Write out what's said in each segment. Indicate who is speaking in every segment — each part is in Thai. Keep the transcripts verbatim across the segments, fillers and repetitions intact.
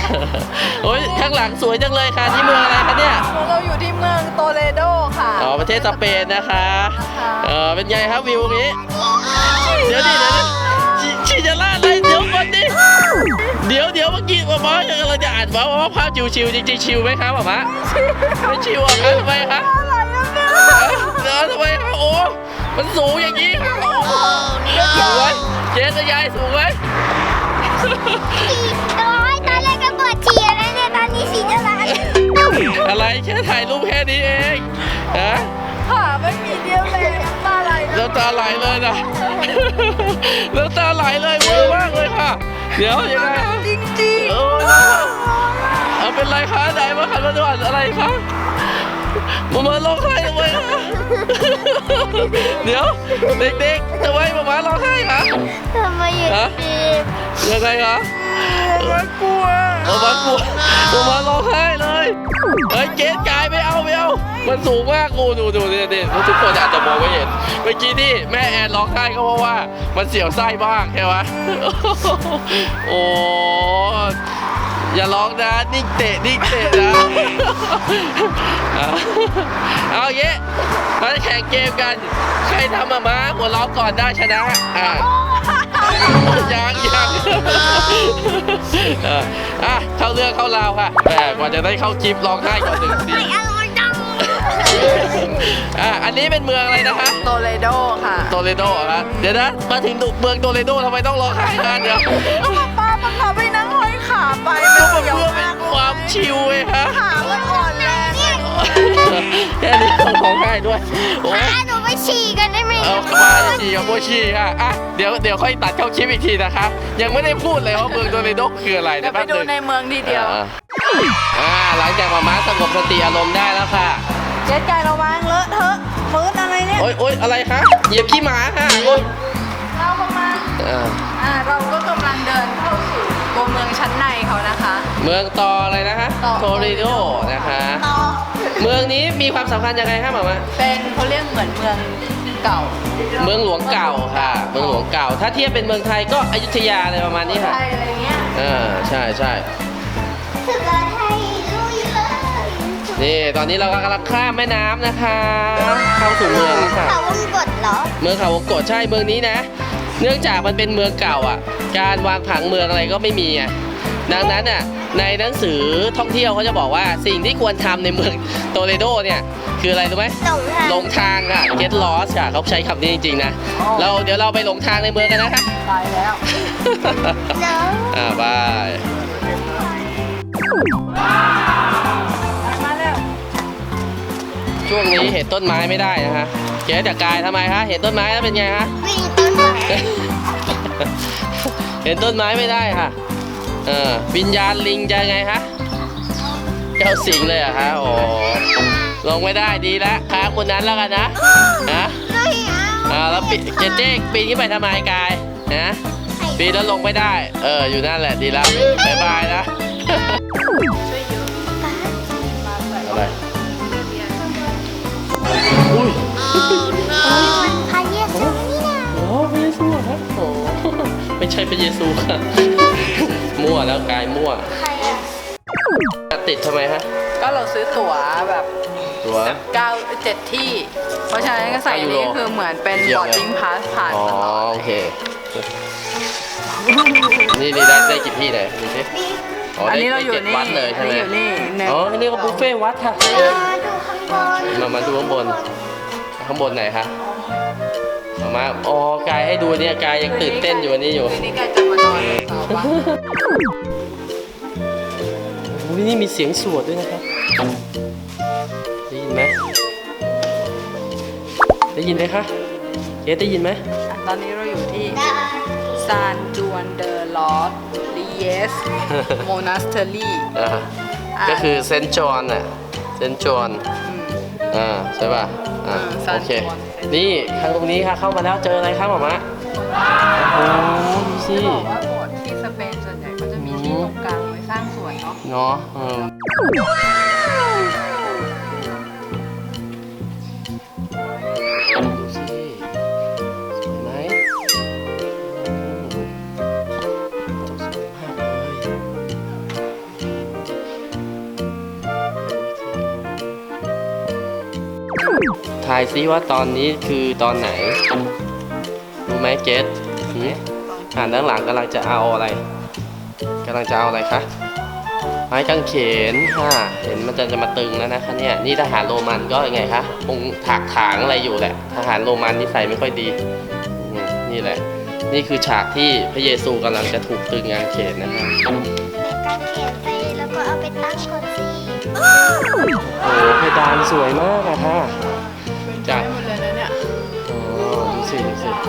Speaker 1: โอ้ยข้างหลังสวยจังเลยค่ะที่เมืองอะไรคะเนี่ย
Speaker 2: เราอยู่ที่เมืองโตเลโดค่ะ
Speaker 1: อ๋อประเทศสเปนนะคะเออเป็นไงครับวิวนี้เดี๋ยวดิเดี๋ยวชีจะล่าอะไรเดี๋ยวก่อนดิเดี๋ยวเดี๋ยวเมื่อกี้ว่าหมอกำลังจะอ่านว่าว่าภาพชิวๆจริงๆชิวไหมครับหมอมะไม่ชิวอ่ะครับทำไมครับเดี๋ยวทำไมครับโอ้มันสูงอย่างนี้ครับสูงไหมเจ๊จะยายสูงไหม
Speaker 3: น้อยตอนแรกก็ปวดฉี่แล้วเนี่ยตอนนี้ฉี่จะล้าง
Speaker 1: อะไรแค่ถ่ายรูปแค่นี้เองฮะ
Speaker 2: ค่ะไม่มีเดียวเลยน้ำตาไหล
Speaker 1: น้ำตาไหลเลยนะน้ำตาไหลเลยเวอร์มากเลยค่ะเดี๋ยวยังไง
Speaker 2: จริงๆ
Speaker 1: โอ้ยเอาเป็นไรคะไหนมาขันมาดูอะไรคะมามาร้องไห้ทำไมคะเดี๋ยวเด็กๆทำไมมามาร้องไห้คะ
Speaker 3: ทำไมอย่างนี้
Speaker 1: ยังไงคะ
Speaker 2: มากลัว
Speaker 1: มามากลัวมามาร้องไห้เลยเฮ้ยเกณฑ์กายไม่เอาไม่เอามันสูงมากกูดูดูดูดิทุกคนอาจจะมองไม่เห็นเมื่อกี้ที่แม่แอนร้องไห้ก็เพราะว่ามันเสียวไส้บ้างใช่ไหมโอ้อย่าร้องนะนิ่งเตะนิ่งเตะนะเอาเงี้ยมาแข่งเกมกันใครทำมาม้าหัวล้อก่อนได้ชนะอ่ะยังยังอ่ะเข้าเรื่องเข้าราวค่ะแต่กว่าจะได้เข้าคลิปร้องไห้ก่อนหนึ่งทีอ่ะอันนี้เป็นเมืองอะไรนะคะ
Speaker 2: โตเลโดค่ะ
Speaker 1: โตเลโดครับเดี๋ยวนะมาถึงเมืองโตเลโดทำไมต้องร้องไห้กันเดี๋ยว
Speaker 2: ป้าบังคับไปนั่งห้อยขาไป
Speaker 1: ก็เพื่อเป็นความชิลไงฮะ
Speaker 2: ขามันอ่อนแรง
Speaker 1: แค่นี้ต้องร้องไห้ด้วยโอ้
Speaker 3: ยหนูไปฉี่กันได้ไหม
Speaker 1: เอามาฉี่กับโบฉี่ค่ะอ่ะเดี๋ยวเดี๋ยวค่อยตัดเข้าคลิปอีกทีนะคะยังไม่ได้พูดเลยว่าเมืองโตเลโดคืออะไร
Speaker 2: เดี๋ยวไปดูในเมืองทีเดียว
Speaker 1: อ่าหลังจากมาม้าสงบสติอารมณ์ได้แล้วค่ะ
Speaker 2: เจ๊ไก่ระวังเลอะเทอะฟื้นอะไรเนี่ย
Speaker 1: โอ๊ยโอ๊ยอะไรคะเหยียบขี้หมาค่ะโอ๊ย
Speaker 2: เราประมาณอ่าเราก็กำลังเดินเข้าสู่ตัวเมืองชั้นในเขานะคะ
Speaker 1: เมืองตออะไรนะคะโตเลโดนะคะเมืองนี้มีความสำคัญยังไงคะหมอมา
Speaker 2: เป็นเขาเรียกเหมือนเมืองเก่า
Speaker 1: เมืองหลวงเก่าค่ะเมืองหลวงเก่าถ้าเทียบเป็นเมืองไทยก็อยุธยาอะไรประมาณนี้ค่ะ
Speaker 2: อะไรเงี้ย
Speaker 1: อ่าใช่ใช่นี่ตอนนี้เรากำลังข้ามแม่น้ำนะคะเข้าสู่เมืองแล้วค่ะ
Speaker 3: เขาวงกฏเหรอ
Speaker 1: เมืองเขาวงกฏใช่เมืองนี้นะเนื่องจากมันเป็นเมืองเก่าอ่ะการวางผังเมืองอะไรก็ไม่มีอ่ะดังนั้นอ่ะในหนังสือท่องเที่ยวเขาจะบอกว่าสิ่งที่ควรทำในเมืองโตเลโดเนี่ยคืออะไรรู้ไหมหลงทางค่ะ get lost ค่ะเขาใช้คำนี้จริงๆนะเราเดี๋ยวเราไปหลงทางในเมืองกันนะคะ
Speaker 2: ไปแล้ว
Speaker 1: อ่าบายช่วงนี้เห็นต้นไม้ไม่ได้นะฮะเจ๊จากกายทำไมฮะเห็นต้นไม้แล้วเป็นไงฮะเห็นต้นไม้ไม่ได้ค่ะเออวิญญาณลิงจะไงฮะเจ้าสิงเลยอะฮะโอ้ลงไม่ได้ดีแล้วค้าคนนั้นแล้วกันนะฮะอ่าแล้วปีเจ๊เจ๊ปีนขึ้นไปทำไมกายนะปีนแล้วลงไม่ได้เอออยู่นั่นแหละดีแล้วบายบายนะอะไรอุ้ย
Speaker 3: พระเยซูนี่นะ
Speaker 1: โอ้พระเยซูครับโอ้ไม่ใช่พระเยซูค่ะมั่วแล้วกายมั่ว
Speaker 3: ใครอะ
Speaker 1: ติดทำไมฮะ
Speaker 2: ก็เราซื้อตั๋วแบบ
Speaker 1: ตั๋ว
Speaker 2: เก้าเจ็ดที่เพราะฉะนั้นก็ใส่นี้คือเหมือนเป็นบอร์ดดิ้งพาสผ่าน
Speaker 1: อ๋อโอเคนี่นี่ได้ได้กี่ที่ไหนดูสิ
Speaker 2: อันนี้เราอยู่นี่
Speaker 1: วัดเลยใช่ไหมอ๋อนี่ก็บุฟเฟ่วัดค่ะมามาดูข้างบนข้างบนไหนคะมามาอ๋อกายให้ดูเนี่ยกายยังตื่นเต้นอยู่วันนี้อยู่
Speaker 2: นี่กายจะมานอน
Speaker 1: โอ้ยนี่มีเสียงสวดด้วยนะครับได้ยินไหมได้ยินไหมคะเจ๊ได้ยินไหม
Speaker 2: ตอนนี้เราอยู่ที่ซานจวนเดอลอสลีเยสโมนาสเตอรี่
Speaker 1: ก็คือเซนจอนน่ะเซนจอนอ่าใช่ป่ะอ่าโอเคนี่ทางตรงนี้ค่ะเข้ามาแล้วเจออะไรครับหมอมะโอ้ดูสิ
Speaker 2: บอกว่าโบสถ์ที่สเปนส่วนใหญ่ก็จะมีที่ตรงกลางไว้สร้างสวนเนาะ
Speaker 1: เนาะเออดูสิสวยไหมสวยมากเลยายซิว่าตอนนี้คือตอนไหนรู้ไหมเกสหืมอ่านด้านหลังกำลังจะเอาอะไรกำลังจะเอาอะไรคะไม้กางเขนค่ะเห็นมันจะจะมาตึงแล้วนะคะเนี่ยนี่ทหารโรมันก็ยังไงคะคงถากถางอะไรอยู่แหละทหารโรมันนิสัยไม่ค่อยดีอืมนี่แหละนี่คือฉากที่พระเยซูกำลังจะถูกตึงกางเขนนะคะ
Speaker 3: กางเขนไปแล้วก็เอาไปตั้งก่อนสิ
Speaker 1: โอ้เพดานสวยมากอะค่ะ
Speaker 2: เป็นใจหมดเลยนะเนี่ย
Speaker 1: โอ้ดูสิดูสิ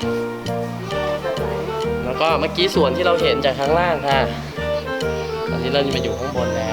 Speaker 1: แล้วก็เมื่อกี้ส่วนที่เราเห็นจากข้างล่างค่ะตอนนี้เรามาอยู่ข้างบนแล้ว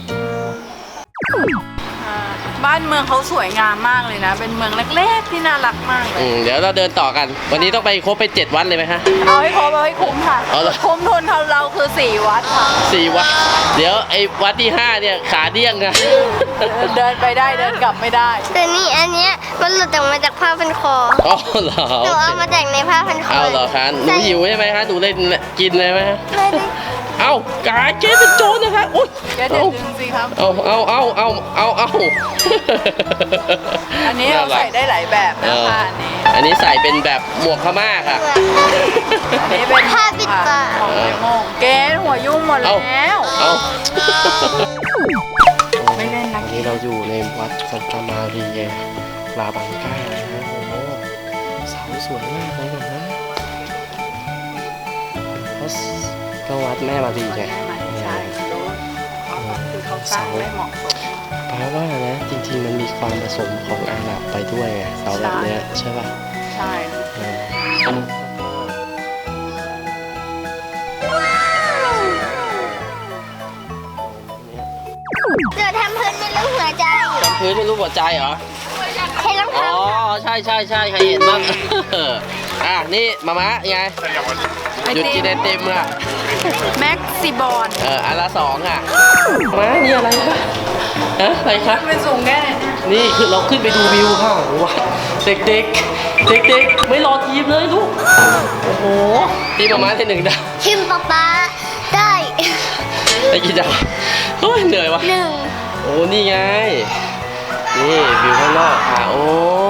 Speaker 2: อ่าบ้านเมืองเขาสวยงามมากเลยนะ เป็นเมืองเล็กๆที่น่ารักมากเล
Speaker 1: อื
Speaker 2: ย
Speaker 1: มเดี๋ยวเราเดินต่อกัน วันนี้ต้องไปครบไปเจ็ดวัดเลยไหมฮะ
Speaker 2: เอาให้ครบเอาให้คุ้มค่ะ
Speaker 1: เอาเหรอ
Speaker 2: คุ้มทุนของเราคือสี่วัดค่ะ
Speaker 1: สี่วัด เดี๋ยวไอ้วัดที่ห้าเนี่ยขาเดี้ยงนะ
Speaker 2: เดินไปได้เดินกลับไม่ได้
Speaker 3: แต่นี่อันเนี้ยมันหลุดออกมาจากผ้าพันคอ
Speaker 1: อ๋อเหรอ
Speaker 3: หนูเอามาจากในผ้าพันคอ
Speaker 1: เอาเหรอคะหนูหิวใช่ไหมคะหนูเล่นกินเลยไหมฮะ
Speaker 3: ไม่ได้
Speaker 1: เอากายเจ๊เป็นโจรนะคะอุ้ย
Speaker 2: แกเดินดึงสิครับ
Speaker 1: เอาเอาเอาเอาเอาเอา
Speaker 2: อันนี้เราใส่ได้หลายแบบ
Speaker 1: เอ
Speaker 2: นะ
Speaker 1: อ
Speaker 2: คะอันนี้
Speaker 1: อันนี้ใส่เป็นแบบหมวกพม่าค่ะ
Speaker 2: อันนี้เป็น
Speaker 3: ผ้าปิดปาก
Speaker 2: ของเลโมงเกณหัวยุ่งหมด
Speaker 1: เอา
Speaker 2: แล้ว
Speaker 1: เอา
Speaker 2: ไม่เล่นนะ
Speaker 1: อันนี้เราอยู่ในวัดซันตามารีเอลาบังกานะฮะโอ้โหเสาสวยมากเลยนะก็วัดแม่มารีไง
Speaker 2: ใช่รู้คือเขาสร้างได้เหมาะสม
Speaker 1: แปลว่านะจริงๆมันมีความผสมของอาหรับไปด้วยไงเสาแบบเนี้ยใช่ป่ะ
Speaker 2: ใช่
Speaker 1: อืม
Speaker 3: เดี๋ยวทำพื้นเป็นรูปหัวใจ
Speaker 1: พื้นเป็นรูปหัวใจเหรอ
Speaker 3: ใช้รอง
Speaker 1: อ๋อ
Speaker 3: เท้า
Speaker 1: ใช่ใช่ใช่ใครเห็นบ้าง อ่ะนี่มามะไงหยุดกินไอติมอ่ะ
Speaker 2: แม็กซิบอล
Speaker 1: เอออันละสองอ่ะมานี่อะไรคะฮะอะไรคะ
Speaker 2: เป็นสูงแค่ไหนเนี่ย
Speaker 1: นี่คือเราขึ้นไปดูวิวค่ะว้าเด็กเด็กเด็กเด็กๆไม่รอทีมเลยลูกโอ้โหทีมมามาที่หนึ่งดาว
Speaker 3: ชิมป๊าป๊าได้
Speaker 1: ได้กี่ดาวเฮ้ยเหนื่อยวะ
Speaker 3: หนึ่ง
Speaker 1: โอ้นี่ไงนี่วิวข้างนอกค่ะโอ้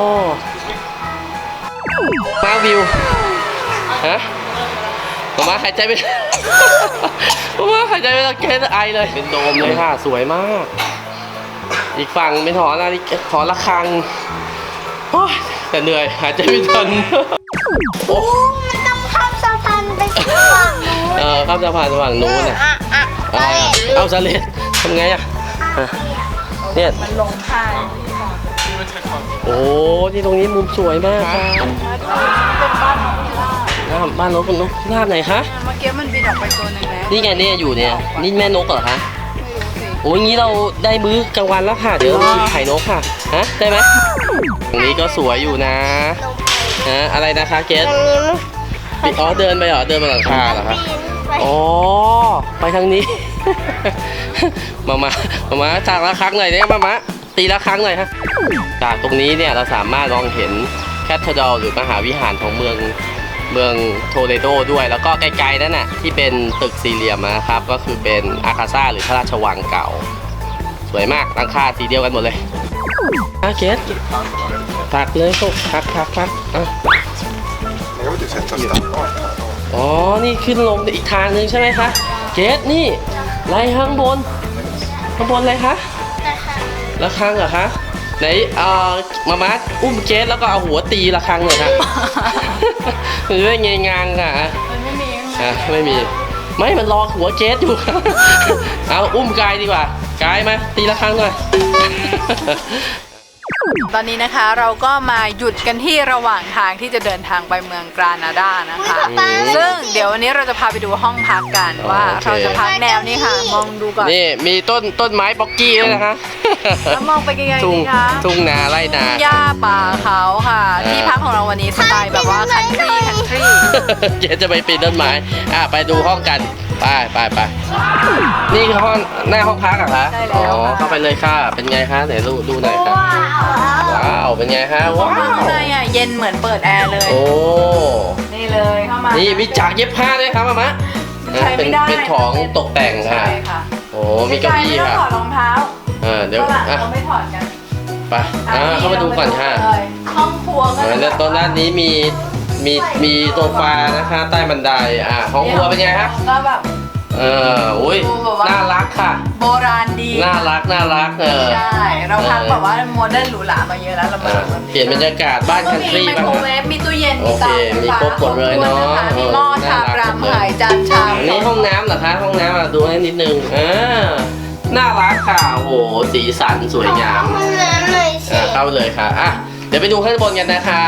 Speaker 1: มาวิวฮะมามาหายใจไม่ มามาหายใจไม่ได้แค่ไอเลยเป็นโดมเลยค่ะสวยมาก อีกฝั่งเป็นหอนาฬิกาหอระฆังโอ้ยแต่เหนื่อยหายใจไม่ทัน โอ้
Speaker 3: มันต้องข้ามสะพานไปฝั่งนู้น
Speaker 1: เออข้ามสะพานฝั่งนู้นน่ะ
Speaker 3: อ่ะอ่ะ
Speaker 1: เอ
Speaker 3: ไป
Speaker 1: อเอาสเลดทำไงอ่ะอ่ะเนี่ย
Speaker 2: มันลงท่า
Speaker 1: โอ้ที่ตรงนี้มุมสวยมากค่ะ
Speaker 2: เป็นบ้านของพิราบ
Speaker 1: น้าบ้านนกนกพิราบไหนคะ
Speaker 2: เมื่อกี้มันบินออกไปตัวหนึ่งแล้ว
Speaker 1: นี่ไงเนี่ยอยู่เนี่ยนี่แม่นกเหรอคะ
Speaker 2: ไม่รู้สิ
Speaker 1: โอ้ยงี้เราได้มื้อกลางวันแล้วค่ะ เดี๋ยวเรากินไข่นกค่ะฮะได้ไหมตรงนี้ก็สวยอยู่นะฮะอะไรนะคะเกส
Speaker 3: ตรงนี้มัน
Speaker 1: อ๋อเดินไปเหรอเดินบนหลังคาเหรอคะ
Speaker 3: ปีนไป
Speaker 1: อ๋อไปทางนี้ มามามามาจากละครั้งหน่อยเนี่ยมามาตีละครั้งหน่อยฮะจากตรงนี้เนี่ยเราสามารถมองเห็นแคทเธอดรัลหรือมหาวิหารของเมืองเมืองโทเลโดด้วยแล้วก็ไกลๆนั่นน่ะที่เป็นตึกสี่เหลี่ยมนะครับ ก็คือเป็นอาคาซ่าหรือพระราชวังเก่า สวยมากตั้งค่าสีเดียวกันหมดเลยอาเกสพักเลยพวกพักพักพักอ่ะ
Speaker 4: Magari ti sento stanco.
Speaker 1: อ๋อ นี่ขึ้นลงอีกทางหนึ่งใช่ไหมคะ เกสนี่ไรข้างบน ข้างบนอะไรคะระฆังเหรอคะ ไหนเอ่อมามาอุ้มเกสแล้วก็เอาหัวตีระฆังหน่อยค่ะ มันจะได้เงยงางค่ะ
Speaker 2: มันไม่มี
Speaker 1: อ่ะไม่มี ไม่ มันรอหัวเกสอยู่ เอาอุ้มกายดีกว่า กายมาตีระฆังหน่อย
Speaker 2: ตอนนี้นะคะเราก็มาหยุดกันที่ระหว่างทางที่จะเดินทางไปเมืองกรานาดานะคะ
Speaker 1: อืม
Speaker 2: ซึ่งเดี๋ยววันนี้เราจะพาไปดูห้องพักกันว่า
Speaker 1: โอเค
Speaker 2: เราจะพักแนวนี้ค่ะ มองดูก่อน
Speaker 1: นี่มีต้นต้นไม้ป๊อกกี้ด้วยนะคะ
Speaker 2: แล้วมองไปไกลๆ
Speaker 1: ทุ่ง
Speaker 2: นี่คะ
Speaker 1: ทุ่งนาไร่นา
Speaker 2: หญ้าป่าเขาค่ะ
Speaker 1: อ่า
Speaker 2: ที่พักของเราวันนี้สไตล์แบบว่าคันทรีคันทรี
Speaker 1: เกสจะไปปีนต้นไม้ อ่ะไปดูห้องกัน ไปไปไปนี่คือห้องหน้าห้องพักเหรอคะ
Speaker 2: ได้
Speaker 1: อ๋
Speaker 2: แล้ว
Speaker 1: อ
Speaker 2: ค่ะ
Speaker 1: เข้าไปเลยค่ะ เป็นไงคะไหนดูดูหน่อยค่ะ ว้าว เป็นไงคะว้า
Speaker 2: ข้าง
Speaker 1: ว
Speaker 2: ในอ่ะเย็นเหมือนเปิดแอร์เลย
Speaker 1: โอ้
Speaker 2: นี่เลยเข้ามา
Speaker 1: นี่
Speaker 2: นี่
Speaker 1: มีจากเย็บผ้าด้วยครับมามะ
Speaker 2: ใช้ไม่ได้
Speaker 1: เป็นเป็นของตกแต่งค่ะ
Speaker 2: ใช่ค่ะ
Speaker 1: โอ้มีเก้าอี้
Speaker 2: ไม่ต้อ
Speaker 1: ค่ะ
Speaker 2: งถอดรองเท้า
Speaker 1: เออเดี๋ยว
Speaker 2: ฝรั่ง
Speaker 1: อ่ะ
Speaker 2: เขาไม่ถอดกัน
Speaker 1: ไปอ่าเข้ามาดูก่อนค่ะ
Speaker 2: ห้องครัวก็
Speaker 1: อ่าแล้วตรงด้านนี้มีมีมีโซฟานะคะ ใต้บันไดอ่าห้องครัวเป็นไงฮะ
Speaker 2: ก็แบบ
Speaker 1: เอออุ้ย
Speaker 2: ดูแบบว่า
Speaker 1: น่ารักค่ะ
Speaker 2: โบราณดี
Speaker 1: น่ารักน่ารักเออ
Speaker 2: ใช่เราพักแบบว่าโมเดิร์นหรูหรามาเยอะแล้วเรามา
Speaker 1: อ่าเปลี่ยนบรรยากาศบ้าน
Speaker 2: ก็
Speaker 1: คัน
Speaker 2: มี
Speaker 1: ทรี
Speaker 2: ไม
Speaker 1: บ้าง
Speaker 2: โคร
Speaker 1: นะ
Speaker 2: เวฟมีตู้เย็น
Speaker 1: โอ
Speaker 2: มี
Speaker 1: เค
Speaker 2: เตาไฟ
Speaker 1: มี
Speaker 2: ฟ้า
Speaker 1: ครบหมดเลยเนอะ
Speaker 2: ครบถ้วคมีหม้อ
Speaker 1: เออ
Speaker 2: ชาม
Speaker 1: น่ารัก
Speaker 2: รำไข่จานชาม
Speaker 1: อันนี้ห้องน้ำเหรอคะห้องน้ำอ่ะดูให้นิดนึงอ่าน่ารักค่ะโอ้โหสีสันสวยงาม
Speaker 3: ห้องน้ำหน่อยสิ
Speaker 1: อ่าเข้าเลยค่ะอ่ะเดี๋ยวไปดูข้างบนกันนะคะ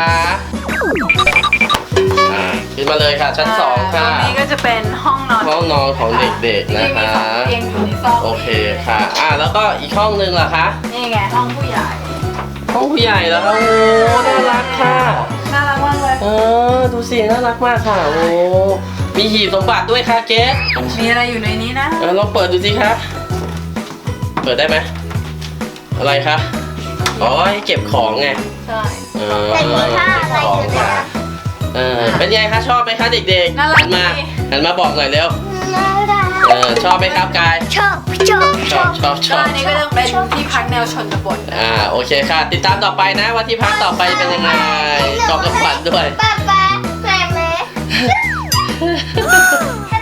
Speaker 1: อ่าขึ้นมาเลยค่ะชั้นสองค่ะ
Speaker 2: ตรงนี้ก็จะเป็นห้องนอน
Speaker 1: ห้องนอนของเด็กๆนะคะ
Speaker 2: ที่มีสองเตียงอยู่ในซอก
Speaker 1: โอเคค่ะอ่ะแล้วก็อีกห้องนึงล่ะคะ
Speaker 2: นี่ไงห้องผู้ใหญ่
Speaker 1: ห้องผู้ใหญ่แล้วโอ้น่ารักค่ะ
Speaker 2: น่ารักมากเลย
Speaker 1: เออดูสิน่ารักมากค่ะโอ้มีหีบสมบัติด้วยค่ะเกส
Speaker 2: มีอะไรอยู่ในนี้นะ
Speaker 1: เออลองเปิดดูสิคะเปิดได้ไหมอะไรคะอ๋อให้เก็บของไง
Speaker 2: ใช่
Speaker 1: เออ
Speaker 3: แต่มีค่าอะไร
Speaker 1: ของ
Speaker 3: อยู่
Speaker 1: ค่ะ
Speaker 3: นะ
Speaker 1: เออเป็นไงคะชอบไหมคะเด็กๆ
Speaker 2: น่ารัก
Speaker 1: หันมา
Speaker 2: ดี
Speaker 1: หันมาบอกหน่อยเร็ว
Speaker 3: น่ารัก
Speaker 1: เออชอบไหมครับกาย
Speaker 3: ชอบชอบ
Speaker 1: ชอบชอบช
Speaker 2: ก็
Speaker 1: อบ
Speaker 2: อันนี้ก็จะเป็นที่พักแนวชนบทนะ
Speaker 1: อ่าโอเคค่ะ ติดตามต่อไปนะว่าที่พักต่อไปเป็นยังไงกล่องกระฝันด้วย
Speaker 3: ป้าป้าแม่แม่ ฮัล